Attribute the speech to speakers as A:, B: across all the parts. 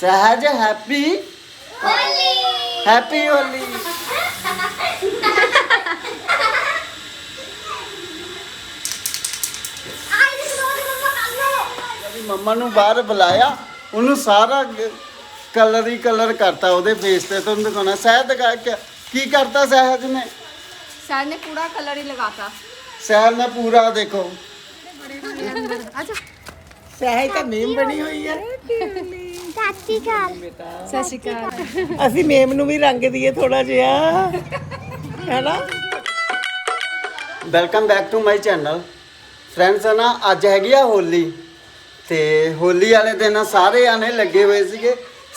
A: सहज happy
B: Holi
A: happy Holi. ਮੰਮਾ ਨੂੰ ਬਾਹਰ ਬੁਲਾਇਆ, ਉਹਨੂੰ ਸਾਰਾ ਕਲਰ ਹੀ ਕਲਰ ਕਰਤਾ ਉਹਦੇ ਫੇਸ ਤੇ। ਤੁਹਾਨੂੰ ਦਿਖਾਉਣਾ ਸਹਿਜ ਦਿਖਾ ਕੇ ਕੀ ਕਰਤਾ ਸਹਿਜ ਨੇ।
B: सर ने पूरा कलर ही लगाता।
A: ਸਹਿਜ ਨੇ ਪੂਰਾ ਦੇਖੋ।
B: अच्छा
C: ਸਹਿਜ ਤਾਂ ਮੇਮ ਬਣੀ ਹੋਈ ਆ।
B: सत श्री अकाल।
C: ਅਸੀਂ ਮੇਮ ਨੂੰ ਵੀ ਰੰਗ ਦਈਏ ਥੋੜਾ ਜਿਹਾ, ਹੈਨਾ।
A: Welcome back to my channel friends. ਨਾ ਅੱਜ ਹੈਗੀ ਆ ਹੋਲੀ, ਤੇ ਹੋਲੀ ਵਾਲੇ ਦਿਨ ਸਾਰੇ ਆਨੇ ਲੱਗੇ ਹੋਏ ਸੀਗੇ।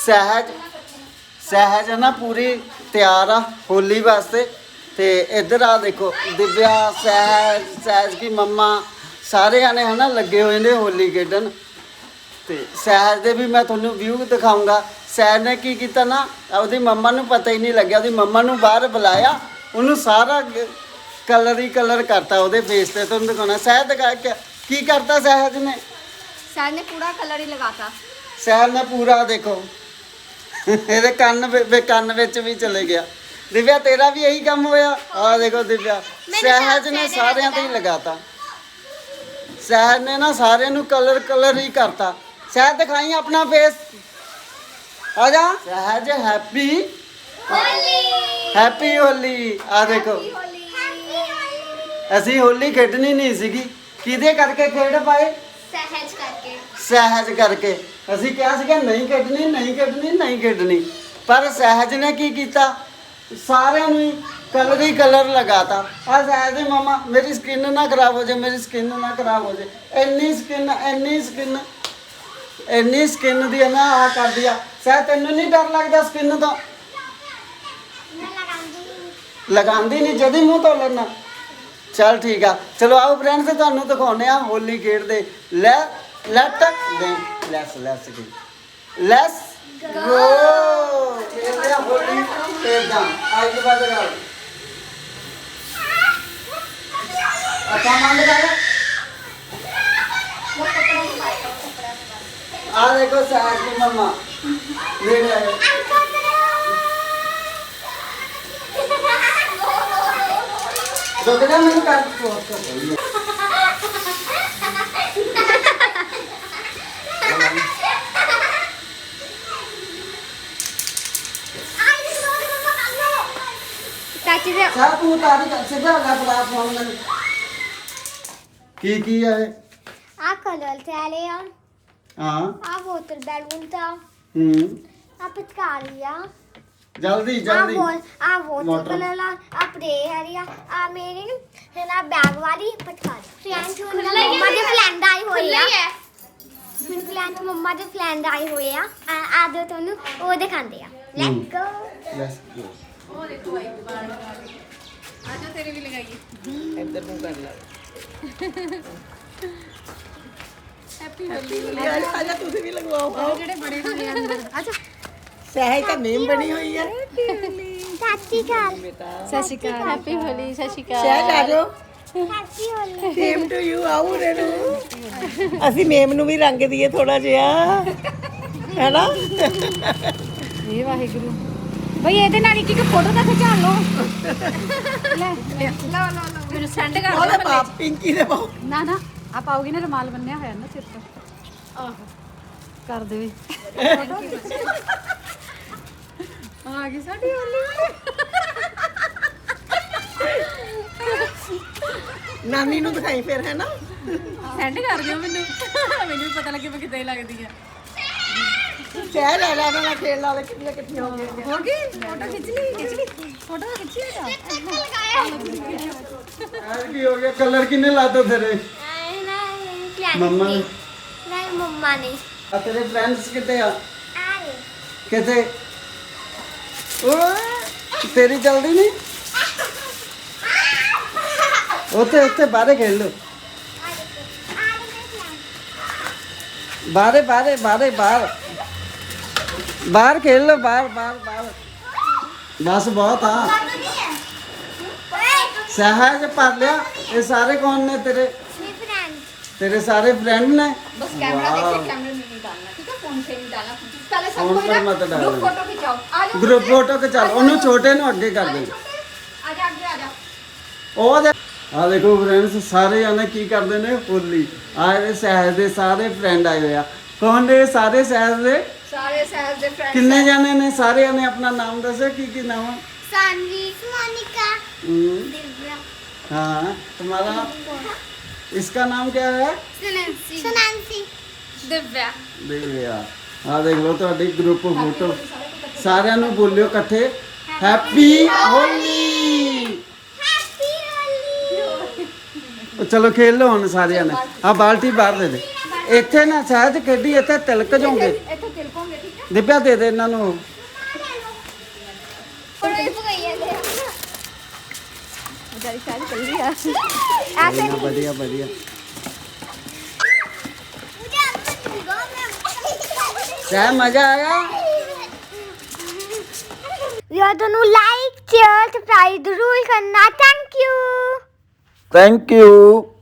A: ਸਹਿਜ ਨਾ ਪੂਰੀ ਤਿਆਰ ਆ ਹੋਲੀ ਵਾਸਤੇ। ਤੇ ਇੱਧਰ ਆ ਦੇਖੋ ਦਿਵਿਆ, ਸਹਿਜ ਕੀ ਮੰਮਾ, ਸਾਰੇ ਆਨੇ ਹਨਾ ਲੱਗੇ ਹੋਏ ਨੇ ਹੋਲੀ ਖੇਡਣ। ਤੇ ਸਹਿਜ ਦੇ ਵੀ ਮੈਂ ਤੁਹਾਨੂੰ ਵਿਊ ਦਿਖਾਊਂਗਾ। ਸਹਿਜ ਨੇ ਕੀ ਕੀਤਾ ਨਾ, ਉਹਦੀ ਮੰਮਾ ਨੂੰ ਪਤਾ ਹੀ ਨਹੀਂ ਲੱਗਿਆ। ਉਹਦੀ ਮੰਮਾ ਨੂੰ ਬਾਹਰ ਬੁਲਾਇਆ, ਉਹਨੂੰ ਸਾਰਾ ਕਲਰ ਹੀ ਕਲਰ ਕਰਤਾ ਉਹਦੇ ਫੇਸ ਤੇ। ਤੁਹਾਨੂੰ ਦਿਖਾਉਣਾ ਸਹਿਜ ਦਿਖਾ ਕੇ ਕੀ ਕਰਤਾ ਸਹਿਜ ਨੇ।
B: सर ने पूरा कलर ही लगाता।
A: ਸਹਿਜ ਨੇ ਪੂਰਾ ਦੇਖੋ ਇਹਦੇ ਕੰਨ ਵਿੱਚ ਵੀ ਚਲੇ ਗਿਆ। ਦਿਵਿਆ ਤੇਰਾ ਵੀ ਇਹੀ ਕੰਮ ਹੋਇਆ। ਆਹ ਦੇਖੋ ਦਿਵਿਆ, ਸਹਿਜ ਨੇ ਸਾਰਿਆਂ ਤੇ ਹੀ ਲਗਾਤਾ। ਸਹਿਜ ਨੇ ਨਾ ਸਾਰਿਆਂ ਨੂੰ ਕਲਰ ਹੀ ਕਰਤਾ। ਸਹਿਜ ਦਿਖਾਈ ਆਪਣਾ ਫੇਸ, ਆ ਜਾ। ਸਹਿਜ ਹੈਪੀ ਹੈਪੀ ਹੋਲੀ। ਆ ਦੇਖੋ ਅਸੀਂ ਹੋਲੀ ਖੇਡਣੀ ਨਹੀਂ ਸੀਗੀ, ਕਿਹਦੇ ਕਰਕੇ ਖੇਡ ਪਾਏ? ਸਹਿਜ ਕਰਕੇ। ਅਸੀਂ ਕਿਹਾ ਸੀਗਾ ਨਹੀਂ ਖੇਡਣੀ, ਪਰ ਸਹਿਜ ਨੇ ਕੀ ਕੀਤਾ, ਸਾਰਿਆਂ ਨੂੰ ਹੀ ਕਲਰ ਲਗਾਤਾ। ਆ ਸਹਿਜ ਦੀ ਮਮਾ, ਮੇਰੀ ਸਕਿਨ ਨਾ ਖਰਾਬ ਹੋ ਜਾਏ, ਇੰਨੀ ਸਕਿਨ ਦੀ ਨਾ ਆ ਕਰ ਦਿਆ। ਸਹਿਜ ਤੈਨੂੰ ਨਹੀਂ ਡਰ ਲੱਗਦਾ ਸਕਿਨ ਤੋਂ? ਲਗਾਉਂਦੀ ਨਹੀਂ, ਜਦੀ ਮੂੰਹ ਧੋ ਲੈਣਾ। ਚਲ ਠੀਕ ਆ, ਚਲੋ ਆਓ ਫਰੈਂਡਸ ਤੁਹਾਨੂੰ ਦਿਖਾਉਂਦੇ ਆ ਹੋਲੀ ਖੇਡਦੇ। ਲੈਟਸ ਗੋ ਖੇਡਦੇ ਆ ਹੋਲੀ। ਖੇਡਦਾ ਅੱਜ ਦੀ ਬਾਤ ਕਰ ਅੱਛਾ ਮੰਨ ਕਰ। ਆ ਦੇਖੋ ਸਹਿਜ ਦੀ ਮੰਮਾ ਦੇਖ ਲੈ। दोगला मैंने काट पोस्ट कर दिया।
B: चाची से
A: साहब तू तारी कर से जा लगा फोन में की है।
B: आ कलर थे आले यार।
A: हां
B: आ बोतल बैलून था। आ पिचकारिया
A: जल्दी
B: आ वो कलर आ प्रे हरिया आ मेरी है ना बैग वाली पटकारी friend mamma they friend I होई है। मेरे friend mamma they friend I होई है। आ दो तोनु ओ दिखांदे आ।
A: Let's go.
D: ओ देखो भाई बार आज तेरे भी लगाइए
C: ਇੱਧਰ ਨੂੰ ਕਰ ਲੈ।
D: हैप्पी होली।
C: ਆ ਜਾ ਤੁਸੀਂ ਵੀ ਲਗਵਾਓ।
D: और जेडे बड़े बड़े अंदर अच्छा
C: ਸਹਿਜ ਤਾਂ ਮੇਮ ਬਣੀ ਹੋਈ ਆ।
B: चाची का
D: सत श्री अकाल। हैप्पी होली। सत श्री अकाल।
C: ਸਹਿਜ ਆ ਜਾਓ।
B: Happy Holi.
C: Same to you. ਆਓ ਰੇ ਨੂੰ ਅਸੀਂ ਮੇਮ ਨੂੰ ਵੀ ਰੰਗ ਦਈਏ ਥੋੜਾ ਜਿਹਾ, ਹੈਨਾ।
D: ਇਹ ਵਾਹਿਗੁਰੂ ਬਈ ਇਹਦੇ ਨਾਲ ਇੱਕ ਫੋਟੋ ਤਾਂ ਖਿਚਾ ਲਓ। ਲੈ ਲਓ ਮੈਨੂੰ ਸੈਂਡ ਕਰ
C: ਉਹਦੇ
D: ਦਿਓ।
C: ਬਾਪ ਪਿੰਕੀ ਦੇ ਬਾਪ
D: ਨਾ ਆ ਪਾਉਗੀ ਨਾ, ਰੁਮਾਲ ਬੰਨਿਆ ਹੋਇਆ ਨਾ ਸਿਰ ਤੇ। ਆਹੋ ਕਰ ਦੇਵੇ ਆ ਗਈ ਸਾਡੀ ਹੋਲੀ।
C: ਨਾਨੀ ਨੂੰ ਦਿਖਾਈ ਫਿਰ, ਹੈਨਾ।
D: ਸੈਂਡ ਕਰ ਦਿਓ ਮੈਨੂੰ ਵੀ ਪਤਾ ਲੱਗੇ ਮੈਂ ਕਿੱਦਾਂ ਲੱਗਦੀ ਆ।
C: ਸਹਿਜ ਲੈ ਲੈ ਨਾਲ ਖੇਡ ਲਾ ਲੈ, ਕਿੰਨੀਆਂ ਇਕੱਠੀਆਂ ਹੋ ਗਈਆਂ।
D: ਹੋ ਗਈ ਫੋਟੋ ਖਿੱਚ ਲਈ ਫੋਟੋ ਖਿੱਚ ਲਈ
A: आज की हो गया कलर किने लाते तेरे मम्मा ने?
B: नहीं मम्मा ने
A: आ तेरे फ्रेंड्स किते आ?
B: आए
A: किते? ओए तेरी जल्दी नहीं उते बाहर खेल लो। बाहर खेल लो, बाहर बस बहुत हाँ। सहज पढ़ लिया। ये सारे कौन ने तेरे? तेरे सारे फ्रेंड ने?
D: बस कैमरा देखिए, कैमरे में नहीं डालना ठीक है, फोन से नहीं डालना। पहले सब
A: फोन
D: कोई
A: पर
D: ना
A: मत डालो।
D: ग्रुप फोटो खिंचाओ आ जाओ
A: ग्रुप फोटो के चल ਉਹਨੂੰ ਛੋਟੇ ਨੂੰ ਅੱਗੇ ਕਰ ਦੇ
D: आ जा आगे आ जा
A: ਉਹ ਦੇ ਆ ਦੇਖੋ ਫਰੈਂਡਸ ਸਾਰੇ ਜਾਣੇ ਕੀ ਕਰਦੇ ਨੇ ਹੋਲੀ ਆਏ ਸਹਿਜ ਦੇ ਸਾਰੇ ਫਰੈਂਡ ਆਏ ਹੋਏ ਆ ਕੌਣ ਨੇ ਸਾਰੇ ਸਹਿਜ ਦੇ
D: सारे सहज दे फ्रेंड्स
A: ਕਿੰਨੇ ਜਾਣੇ ਨੇ ਸਾਰਿਆਂ ਨੇ ਆਪਣਾ ਨਾਮ ਦੱਸੋ ਕੀ ਨਾਮ ਹੈ
B: सानवी मोनिका
A: हम्म,
B: दिव्या
A: हाँ तुम्हारा इसका नाम क्या है
B: सुनांसी
D: दिव्या
A: ਦਿਵਿਆ ਆ ਦੇਖ ਲਓ ਤੁਹਾਡੀ ਗਰੁੱਪ ਫੋਟੋ ਸਾਰਿਆਂ ਨੂੰ ਬੋਲਿਓ ਇਕੱਠੇ ਹੈਪੀ ਹੋਲੀ
B: हैप्पी होली
A: ਚਲੋ ਖੇਲ ਲਓ ਹੁਣ ਸਾਰਿਆਂ ਨੇ ਆ ਬਾਲਟੀ ਬਾਹਰ ਦੇ ਦੇ ਇੱਥੇ ਨਾ ਸਹਿਜ ਖੇਡੀ ਇੱਥੇ ਤਿਲਕ ਜਾਓਗੇ
D: ਇੱਥੇ ਤਿਲਕੋਂਗੇ ਠੀਕ ਹੈ
A: ਦਿਵਿਆ ਦੇ ਦੇ ਇਹਨਾਂ ਨੂੰ
D: बेचारी शायद चल रही है
A: बढ़िया बढ़िया बढ़िया सह मजा आया
B: यार दोनों लाइक शेयर सब्सक्राइब जरूर करना थैंक यू
A: थैंक यू